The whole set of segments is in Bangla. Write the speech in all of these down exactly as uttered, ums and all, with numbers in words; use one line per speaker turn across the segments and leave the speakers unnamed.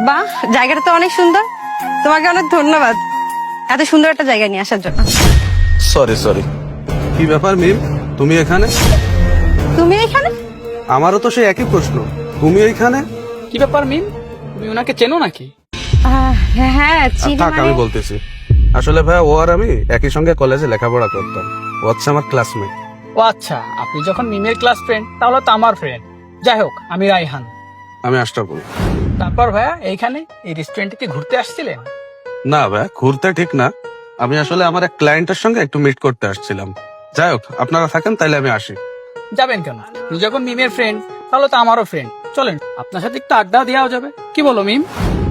বাহ, জায়গাটা তো অনেক সুন্দর। তোমাকে অনেক ধন্যবাদ এত সুন্দর একটা জায়গা নিয়ে আসার জন্য।
সরি সরি কি ব্যাপার মিম, তুমি এখানে?
তুমি এখানে?
আমারও তো সেই একই প্রশ্ন, তুমি এইখানে?
কি ব্যাপার মিম, তুমি ওনাকে চেনো নাকি?
আহ, হ্যাঁ চিনি।
থাক
মানে-
আমি বলতেছি, আসলে ভাইয়া ও আর আমি একই সঙ্গে কলেজে লেখাপড়া করতাম। ও হচ্ছে আমার ক্লাসমেট।
ও আচ্ছা, আপনি যখন মিমের ক্লাস ফ্রেন্ড তাহলে তো আমার ফ্রেন্ড। যাই হোক, আমি রাইহান।
আমি আশরাফুল।
তারপর ভাইয়া এইখানে এই রেস্টুরেন্টে কি ঘুরতে আসছিলেন?
না ভাইয়া, ঘুরতে ঠিক না, আমি আসলে আমার এক ক্লায়েন্টের সঙ্গে একটু মিট করতে আসছিলাম। যাই হোক, আপনারা থাকেন তাইলে আমি আসি।
যাবেন কেন? তুই যখন মিমের ফ্রেন্ড তাহলে তো আমারও ফ্রেন্ড, চলেন আপনার সাথে একটু আড্ডা দেওয়া যাবে। কি বলো মিম?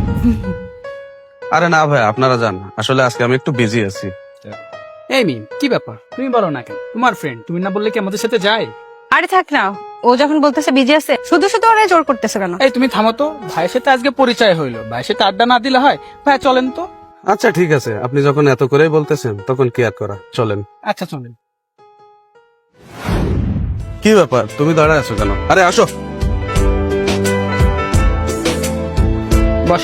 আরে না ভাই, আপনারা যান, আসলে আজকে আমি একটু বিজি আছি।
এই মিম, কি ব্যাপার তুমি বলো না কেন? তোমার ফ্রেন্ড, তুমি না বললে কি আমাদের সাথে যায়?
আরে থাক না, ও যখন বলতেছে বিজি আছে, শুধু শুধু ওরা জোর করতেছে কেন?
এই তুমি থামো তো, ভাইয়ের সাথে আজকে পরিচয় হইলো, ভাইয়ের সাথে আড্ডা না দিলে হয়? ভাই চলেন তো।
আচ্ছা ঠিক আছে, আপনি যখন এত করেই বলতেছেন তখন কি আর করা, চলেন।
আচ্ছা চলেন।
কি ব্যাপার, তুমি দাঁড়ায় আছো কেন? আরে আসো।
বস।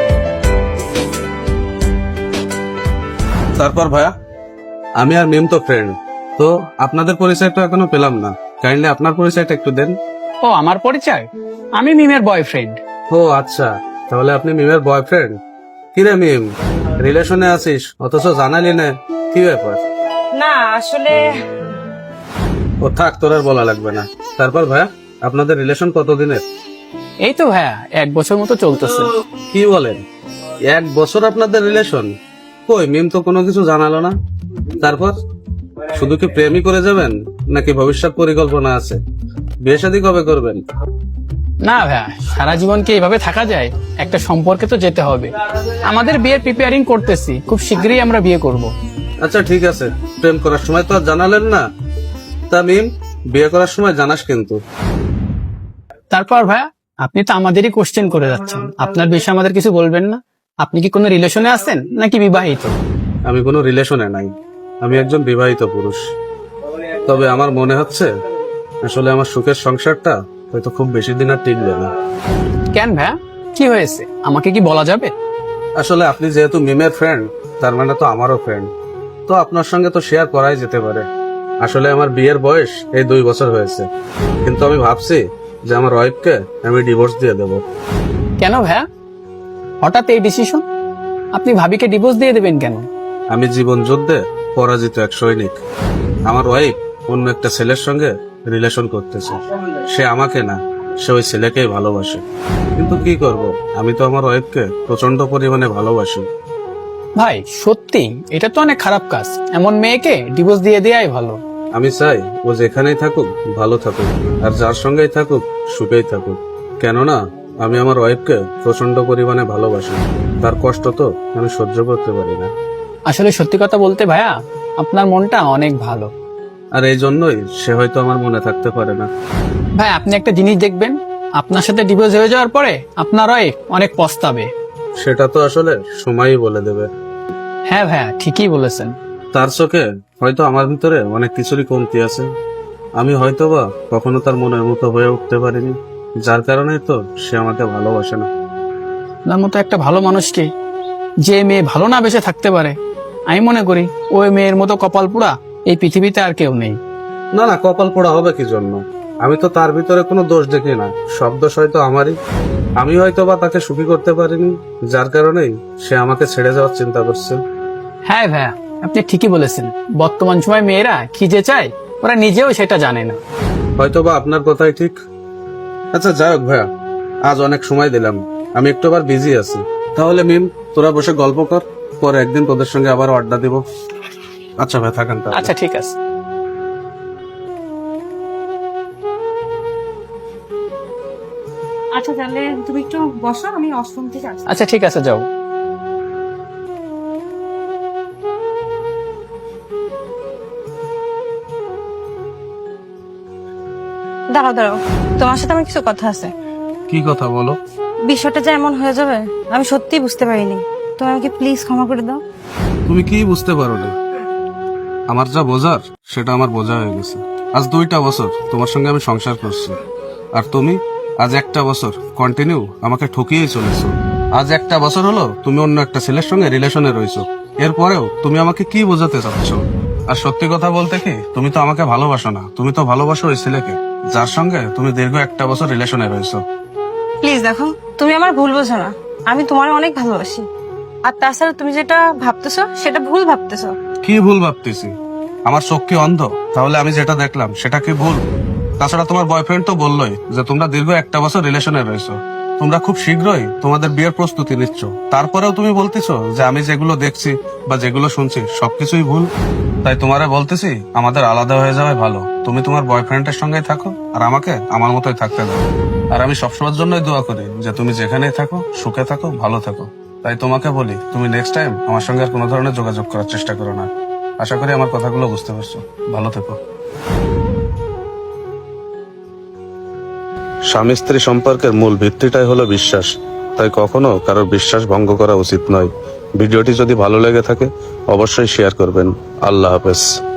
তারপর ভাইয়া, আমি আর মিম তো ফ্রেন্ড, তো আপনাদের পরিচয়টা এখনো পেলাম না, কাইন্ডলি আপনার পরিচয়টা একটু দেন।
ও আমার পরিচয়, আমি মিমের বয়ফ্রেন্ড।
ও আচ্ছা, তাহলে আপনি মিমের বয়ফ্রেন্ড। কিরে মিম, রিলেশনে আছিস অথচ জানালি না, কি ব্যাপার?
না আসলে
ও থাক, তোর আর বলা লাগবে না। তারপর ভাইয়া, আপনাদের রিলেশন কতদিনের?
এই তো ভাইয়া এক বছর মতো চলতেছে।
কি বলেন, এক বছর আপনাদের রিলেশন? কই মিম তো কোনো কিছু জানালো না। তারপর শুধু কি প্রেমই করে যাবেন, নাকি ভবিষ্যৎ পরিকল্পনা আছে? বিয়ে শাদী কবে করবেন?
না ভাইয়া, সারা জীবন কি এইভাবে থাকা যায়? একটা সম্পর্কে তো যেতে হবে। আমাদের বিয়ের প্রিপেয়ারিং করতেছি, খুব শীঘ্রই আমরা বিয়ে করব।
আচ্ছা ঠিক আছে, প্রেম করার সময় তো আর জানালেন না। তা মিম, বিয়ে করার সময় জানাস কিন্তু।
তারপর ভাইয়া, আপনি তো আমাদেরই কোশ্চেন করে যাচ্ছেন, আপনার বিষয়ে আমাদের কিছু বলবেন না? আপনি কি কোনো রিলেশনে আছেন নাকি বিবাহিত?
আমি কোনো রিলেশনে নাই, আমি একজন বিবাহিত পুরুষ। তবে আমার মনে হচ্ছে আসলে আমার সুখের সংসারটা হয়তো খুব বেশি দিন আর টিকবে না।
কেন ভাইয়া, কি হয়েছে আমাকে কি বলা যাবে?
আসলে আপনি যেহেতু মিমের ফ্রেন্ড, তার মানে তো আমারও ফ্রেন্ড, তো আপনার সঙ্গে তো শেয়ার করাই যেতে পারে। আসলে আমার বিয়ের বয়স এই দুই বছর হয়েছে, কিন্তু আমি ভাবছি যে আমার ওয়াইফকে আমি ডিভোর্স দিয়ে দেব।
কেন ভাইয়া, হঠাৎ এই ডিসিশন? আপনি ভাবিকে ডিভোর্স দিয়ে দেবেন কেন?
আমি জীবন যুদ্ধে পরাজিত এক সৈনিক। আমার ওয়াইফ অন্য একটা ছেলের সঙ্গে রিলেশন করতেছে। সে আমাকে না, সে ওই ছেলেকেই ভালোবাসে। কিন্তু কি করব, আমি তো আমার ওয়াইফকে প্রচন্ড পরিমাণে ভালোবাসি।
ভাই সত্যি এটা তো অনেক খারাপ কাজ, এমন মেয়েকে ডিভোর্স দিয়ে দেয়াই ভালো।
আমি চাই ও যেখানেই থাকুক ভালো থাকুক, আর যার সঙ্গেই থাকুক সুখেই থাকুক। কেননা আমি আমার ওয়াইফকে প্রচন্ড পরিমাণে ভালোবাসি, তার কষ্ট তো আমি সহ্য করতে পারি না।
আসলে সত্যি কথা বলতে ভাইয়া, আপনার মনটা অনেক ভালো।
আর এই জন্যই সে হয়তো আমার মনে থাকতে পারে না।
ভাই আপনি একটা জিনিস দেখবেন, আপনার সাথে ডিভোর্স হয়ে যাওয়ার পরে আপনার ওয়াইফ অনেক পস্তাবে।
সেটা তো আসলে সময়ই বলে দেবে।
হ্যাঁ ভাইয়া, ঠিকই বলেছেন।
তার চোখে হয়তো আমার ভিতরে অনেক কিছুরই কমতি আছে। আমি হয়তোবা কখনো তার মনের মতো হয়ে উঠতে পারিনি, যার কারণে তো সে আমাকে ভালোবাসে না।
আপনার মতো একটা ভালো মানুষকে যে মেয়ে ভালো না বেসে থাকতে পারে, আমি মনে করি ওই মেয়ের মতো কপাল পোড়া এই পৃথিবীতে আর কেউ নেই।
না না, কপাল পোড়া হবে কি জন্য? আমি তো তার ভিতরে কোনো দোষ দেখি না, সব দোষ হয়তো আমারই। আমি হয়তোবা তাকে সুখী করতে পারিনি, যার কারণেই সে আমাকে ছেড়ে যাওয়ার চিন্তা করছে।
হ্যাঁ ভাইয়া, আপনি ঠিকই বলেছেন। বর্তমান সময় মেয়েরা কি যে চায় ওরা নিজেও সেটা জানে না।
হয়তোবা আপনার কথাই ঠিক। আচ্ছা যাই হোক ভাইয়া, আজ অনেক সময় দিলাম, আমি একটু আবার বিজি আছি। তাহলে মিম, তোরা বসে গল্প কর, পরে একদিন তোদের সঙ্গে আবার আড্ডা দিব। আচ্ছা ভাই, থাকেন তাহলে।
আচ্ছা ঠিক আছে।
আচ্ছা তাহলে তুমি একটু বসো, আমি অষ্টম থেকে আসছি।
আচ্ছা ঠিক আছে, যাও।
দাঁড়াও দাঁড়াও, তোমার সাথে আমার কিছু কথা আছে।
কি কথা বলো?
বিষয়টা যে এমন হয়ে যাবে আমি সত্যিই বুঝতে পারিনি। তুমি আমাকে প্লিজ ক্ষমা করে দাও।
তুমি কি বুঝতে পারো না? আমার যা বোঝার সেটা আমার বোঝা হয়ে গেছে। আজ দুইটা বছর তোমার সঙ্গে আমি সংসার করছি, আর তুমি আজ একটা বছর কন্টিনিউ আমাকে ঠকিয়েই চলেছো। আজ একটা বছর হলো তুমি অন্য একটা ছেলের সঙ্গে রিলেশনে রয়েছো, এরপরেও তুমি আমাকে কি বোঝাতে চাচ্ছ? আর সত্যি কথা বলতে কি, তুমি তো আমাকে ভালোবাসো না, তুমি তো ভালোবাসো ওই ছেলেকে যার সঙ্গে তুমি দীর্ঘ একটা বছর রিলেশনে রয়েছো।
প্লিজ দেখো, তুমি আমার ভুল বোঝো না, আমি তোমার অনেক ভালোবাসি। আর তাছাড়া তুমি যেটা ভাবতেছো সেটা ভুল ভাবতেছো।
কি ভুল ভাবতেছি? আমার চোখ কি অন্ধ? তাহলে আমি যেটা দেখলাম সেটা কি ভুল? তাছাড়া তোমার বয়ফ্রেন্ড তো বললোই যে তোমরা দীর্ঘ একটা বছর রিলেশনে রয়েছো, তোমরা খুব শীঘ্রই তোমাদের বিয়ের প্রস্তুতি নিচ্ছ, তারপরেও তুমি বলতেছো যে আমি যেগুলো দেখছি বা যেগুলো শুনছি সবকিছুই ভুল। তাই তোমারে বলতেছি আমাদের আলাদা হয়ে যাওয়াই ভালো। তুমি তোমার বয়ফ্রেন্ডের সঙ্গেই থাকো আর আমাকে আমার মতোই থাকতে দাও। আর আমি সবসময়ের জন্যই দোয়া করি যে তুমি যেখানেই থাকো সুখে থাকো, ভালো থাকো। তাই তোমাকে বলি, তুমি নেক্সট টাইম আমার সঙ্গে আর কোনো ধরনের যোগাযোগ করার চেষ্টা করো না। আশা করি আমার কথাগুলো বুঝতে পারছো। ভালো থেকো। স্বামী স্ত্রী সম্পর্কের মূল ভিত্তিটাই হলো বিশ্বাস, তাই কখনো কারোর বিশ্বাস ভঙ্গ করা উচিত নয়। ভিডিওটি যদি ভালো লেগে থাকে অবশ্যই শেয়ার করবেন। আল্লাহ হাফেজ।